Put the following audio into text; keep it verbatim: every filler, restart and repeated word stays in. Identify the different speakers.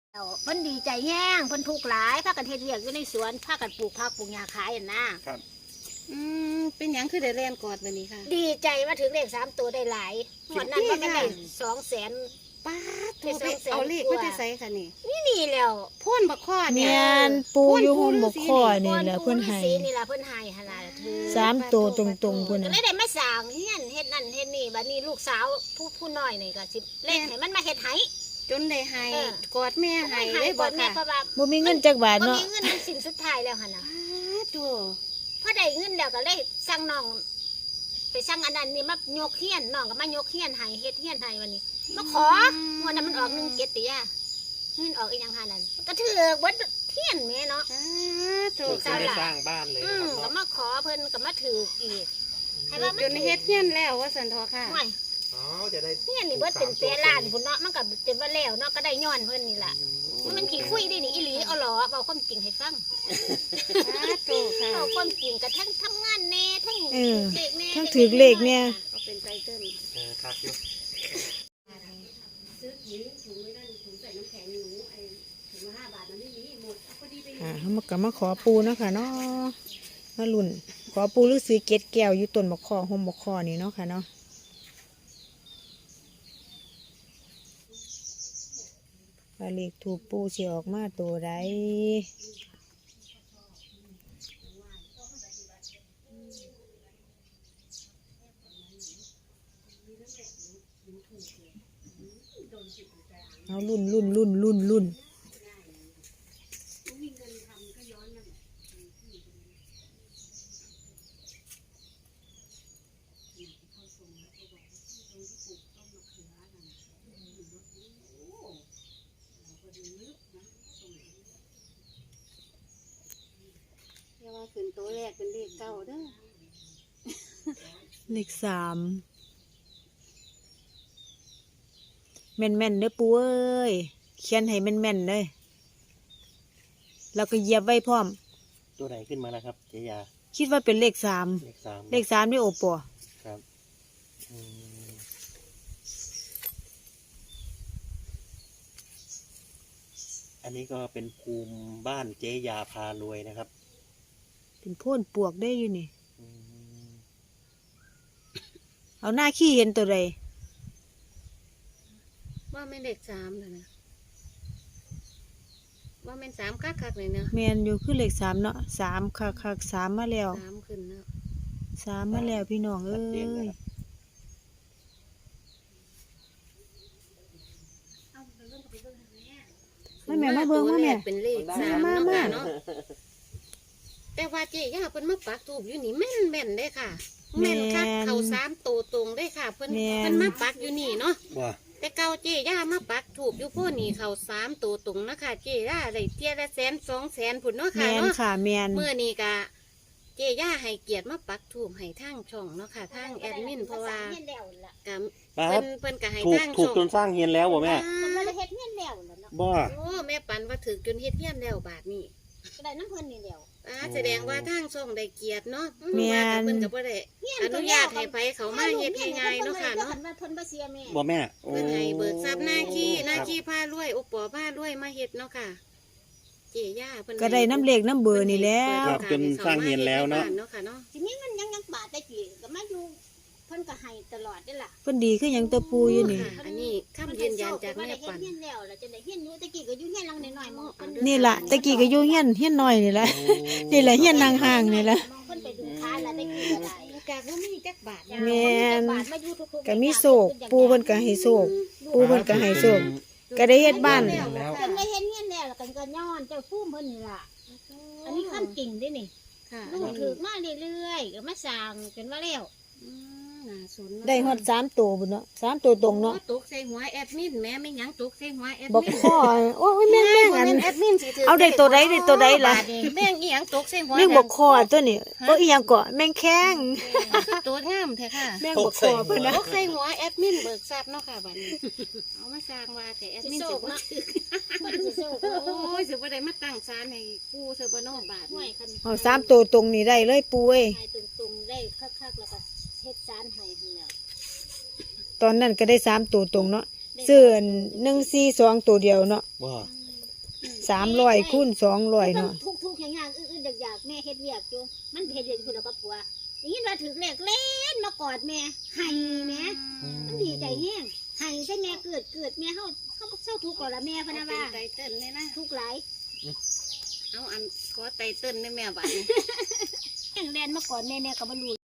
Speaker 1: เพิ่นดีใจแห้งเพิ่นทุกข์หลายพากันเฮ็ดเวียกอยู่ในสวนพากันปลูกผักปลูกหญ้าขายอ่ะนะครับ
Speaker 2: อืมเป็นหยังคือได้เรียนกอดวันนี้ค่ะ
Speaker 1: ดีใจว่าถึงเลขสามตัวได้หลายงวดนั้นว่ามันได้สองแสน
Speaker 2: ป้าโทรไปเอาเลขไม่ได้ใส่ค่ะนี่
Speaker 1: นี่นี่แล้ว
Speaker 2: พ่นบักข้อเนี่ย
Speaker 3: แม่นปูอยู่ห่มบ่ข้อนี่แหละเพิ่นให้
Speaker 1: สีนี่ล่ะเพิ่นให้หั่นล่ะถือ
Speaker 3: สามตัวตรงๆพุ่น
Speaker 1: ก็
Speaker 3: น่ะ
Speaker 1: เลยได้มาสร้างเฮียนเฮ็ดนั่นเฮ็ดนี่บัดนี้ลูกสาวผู้ผู้น้อยนี่ก็สิเล่นให้มันมาเฮ็ดให้
Speaker 2: จนได้ให้
Speaker 1: เออ
Speaker 2: กอดแม่ให้
Speaker 1: ให้
Speaker 2: ได้
Speaker 1: บ่
Speaker 2: บ่
Speaker 1: แม่
Speaker 2: ค่ะ
Speaker 1: เพราะว่า
Speaker 3: บ่มีเงินจักบาท
Speaker 1: บ่
Speaker 3: เนาะ
Speaker 1: มีเงินเป็นสินสุดท้ายแล้วหั่นน่ะ
Speaker 2: ป้าโต
Speaker 1: พอได้เงินแล้วก็เลยสั่งน้องไปสั่งอันนั้นนี่มายกเฮียนน้องก็มายกเฮียนให้เฮ็ดเฮียนให้วันนี้มาขอวันนั้นมันออกหนึ่งเจ็ดติย่าเงินออกอีกอย่างหานั้นก็ถือเบิดเฮียนแม่เนาะ
Speaker 2: ป้าโต
Speaker 4: ถูกได้สร้างบ้านเลย
Speaker 1: อื
Speaker 4: นะ
Speaker 1: ม
Speaker 4: ครับ
Speaker 1: ก็
Speaker 4: เนาะ
Speaker 1: มาขอเพิ่นก็มาถืออีกให้ว่ามัน
Speaker 2: จนเฮ็ดเฮียนแล้วว่าสันทอค่ะ
Speaker 1: ห่วย
Speaker 4: อ๋อจะได้
Speaker 1: เฮียนนี่เบิดเป็นเสียล้านพุ่นเนาะมันก็เต็มว่าแล้วเนาะก็ได้ย้อนเพิ่นนี่ล่ะมันขี้คุยได้นี่อีหลีเอาหรอเว้าความจริงให้ฟัง
Speaker 2: ป้าโตค่ะ
Speaker 1: เว้าความจริงก็ทั้งทำงานแน่ทั้ง
Speaker 3: เออ
Speaker 1: เด็กแน่
Speaker 3: ทั้งถือเลขเนี่ย
Speaker 2: ก็เป็นไตเติ้ล
Speaker 4: เออครับอยู่
Speaker 3: อ่าเฮามาก็มาขอปูเนาะค่ะเนาะมาลุ่นขอปูฤาษีเกศแก้วอยู่ต้นบักข้อห่มบักข้อนี่เนาะค่ะเนาะว่าเลขถูกปูสิออกมาตัวใดเอาลุ่นลุ่นลุ่นลุ่นลุ่น
Speaker 2: เรียกว่าขึ้นตัวแรกเป็นเลขเก้าเด้อ
Speaker 3: เลขสามแม่นแม่นๆเด้อปูเอ้ยเขียนให้แม่นแม่นๆเลยแล้วก็เหยียบไว้พร้อม
Speaker 4: ตัวไหนขึ้นมาแล้วครับเจยา
Speaker 3: คิดว่าเป็นเลขสาม
Speaker 4: เลขสาม
Speaker 3: เลขสามนี่โอปอ
Speaker 4: ครับอืมอันนี้ก็เป็นภูมิบ้านเจยาพารวยนะครับ
Speaker 3: เป็นโพ่นปวกได้อยู่นี่
Speaker 4: อืม
Speaker 3: เอาหน้าขี้เห็นตัวใด
Speaker 2: ว่าแม่นเลขสามเลยนะว่าแม่นสามคักคักๆเลยเนาะ
Speaker 3: แมนอยู่คือเลขสามเนาะสามคักคักสามมาแล้ว
Speaker 2: สามขึ้นเนาะ
Speaker 3: สามมาแล้วพี่น้องเอ้
Speaker 4: ชัดเจนนะ
Speaker 3: ย
Speaker 4: ครับ
Speaker 3: มาแม่มาเบิ่งมาแม่
Speaker 2: เป็นเลขสาม
Speaker 3: มา
Speaker 2: เนาะ
Speaker 3: มา
Speaker 2: ค่ะเนาะแต่ว่าเจ๊ย่าเพิ่นมาปักทูบอยู่นี่แม่นแม่นได้ค่ะแม่นคักเขาสามตัวตรงได้ค่ะ เพิ่นเพิ่นมาปักอยู่นี่เนาะ
Speaker 4: ว่า
Speaker 2: แต่เก่าเจ๊ย่ามาปักถูกอยู่พวกนี้เขาสามตัวตรงนะคะเจ๊ย่าได้เทียละแสนสองแสนผุนเนาะ
Speaker 3: แม
Speaker 2: ค่ะ
Speaker 3: น
Speaker 2: เนาะ
Speaker 3: ค่ะแมน
Speaker 2: เมื่อนี้กะเจ๊ย่าให้เกียรติมาปักถูกให้ทางช่องเนาะค่ะทางแอดมินเพราะว่า
Speaker 1: เฮียนแล้วล่ะ
Speaker 2: กะ
Speaker 4: ป้าค
Speaker 2: เพิ่
Speaker 4: รับ
Speaker 2: นเพิ่นก็ให้
Speaker 4: ถูก
Speaker 2: ทาง
Speaker 4: ถูก
Speaker 2: ช่อง
Speaker 4: จนสร้างเฮียนแล้วบ่แม่
Speaker 1: มันบ่ได้เฮ็ดเฮียนแล้วล่ะเนาะ
Speaker 4: บ่
Speaker 2: โอ้แม่ปันว่าถือจนเฮ็ดเฮียนแล้วบาทนี้
Speaker 1: ก็ได้น้ำเพิ่นนี่แล้ว
Speaker 2: อ่าแสดงว่าทางช่องได้เกียรติเนาะ
Speaker 3: แม่
Speaker 2: ว่าน เพิ่นก็บ่ได้
Speaker 1: เฮียน
Speaker 2: อนุญาตให้ไผเขามาเฮ็ดให้ง่ายเนาะค่ะเนาะ
Speaker 1: เพิ่นว่าเพิ่นบ่เสียแม่
Speaker 4: บ่แม่โอ้
Speaker 2: เพิ่นให้เบิกทรัพย์หน้าขี้หน้า
Speaker 4: ครับ
Speaker 2: ขี้ผ้ารวยอุปปอผ้ารวยมาเฮ็ดเนาะค่ะเจ๊ย่าเพิ่น
Speaker 3: ก็ได้น้ำเลขน้ำเบอร์นี่แล้ว
Speaker 4: ครับจนสร้างเฮียนแล้วเนาะ
Speaker 2: เนาะค่ะเนาะ
Speaker 1: สิมีเงินยังยังบาทได้กี่ก็มาอยู่เพิ่นก็ให้ตลอดเด้อล่ะ
Speaker 3: เพิ่นดีคือหยังตัวปูอยู่นี่
Speaker 2: ค่ะอันนี้คำยืนยันจากแม่ปัน
Speaker 1: เฮียนแล้วล่ะจังได๋เฮียนอยู่ตะกี้ก็อยู่เฮียนหลังน้อยๆมองเพิ่น
Speaker 3: นี่ล่ะตะกี้ก็อยู่เฮียนเฮียนน้อยนี่แหละ
Speaker 4: โอ้
Speaker 3: นี่แหละเฮียนนางห่างนี่แหละ
Speaker 1: มองเพิ่นไปดึงขาแล้วตะกี้ก็ได้
Speaker 2: กากว่ามีจักบาท
Speaker 3: แม่น
Speaker 1: บาทมาอยู่ทุกๆ
Speaker 3: ก็มีโศกปูเพิ่นก็ให้โศกปูเพิ่นก็ให้โศกก็ได้เฮ็ดบ้าน
Speaker 4: แล้ว
Speaker 1: เพิ่นได้เฮ็ดเฮียนแล้วแล้วกันก็ย้อนเจ้าฟูมเพิ่นนี่ล่ะอันนี้ขั้นจริงเด้นี่
Speaker 2: ค่ะ
Speaker 1: ลูกถือมาเรื่อยๆก็มาสร้างจนว่าแล้ว
Speaker 2: อืมน่าสน
Speaker 3: ได้ฮอดสามตัวบุญเนาะสามตัวตรงเนาะ
Speaker 2: ตกใส่หัวแอดมินแม่ไม่หยังตกใส่หัวแอด
Speaker 3: บอก
Speaker 2: มิน
Speaker 3: ข้อโอ้ยแม่งแม่งอัน
Speaker 2: แอดมินสิถื
Speaker 3: เอาได้ตัวใดได้ตัวใดล่ะ
Speaker 2: แม่งอีหยังตกใส่หัว
Speaker 3: แม่งบอกคอตัวนี้โอ้ยอีหยังเกาะแม่งแข้ง
Speaker 2: ตัวงามแท้ค่ะ
Speaker 3: แม่งบอกคอเพิ่นนะ
Speaker 2: ตกใส่หัวแอดมินเบิกทรัพย์เนาะค่ะบัดนี้เอามาสร้างว่าแต่แอดมินสิบ่ถือ
Speaker 1: เพิ่นสิโชค
Speaker 2: โอ้ยสิบ่ได้มาตั้งศาลให้ปู่สิบ่เนาะบาท
Speaker 1: ห่ว
Speaker 2: นี่
Speaker 1: ยคัน
Speaker 3: เอาสามตัวตรงนี้ได้เลยปูเอ้ย
Speaker 1: ให้ตุงๆได้คักๆแล้วก็เฮ็ดสารให้หั่นแล้ว
Speaker 3: ตอนนั้นก็ได้สามตัวตรงเนาะเสื้อหนึ่งสี่สองตัวเดียวเนาะ
Speaker 4: บ่
Speaker 3: สามร้อยคูณสองร้อย
Speaker 1: มัน
Speaker 3: เนาะ
Speaker 1: ทุกทุกๆอย่างอย่างอื่นๆอยากๆแม่เฮ็ดเวียกอยู่มันเฮ็ดเวียกอยู่แล้วก็ผัวอย่างนี้ว่าถึงเลขเล่นมากอดแม่ให้แม่มันดีใจแห้งให้ใช่แม่เกิดเกิดแม่เฮาเฮาเศร้าทุกข์ก่อนละแม่พะนะ
Speaker 2: เป็
Speaker 1: ว่าน
Speaker 2: ไตเติ้ลเลยนะ
Speaker 1: ทุกข์หลาย
Speaker 2: เอาอันขอไตเติ้ลได้แม่บัดนี้
Speaker 1: แห้งแลนมากอดแม่แม่ก็บ่รู้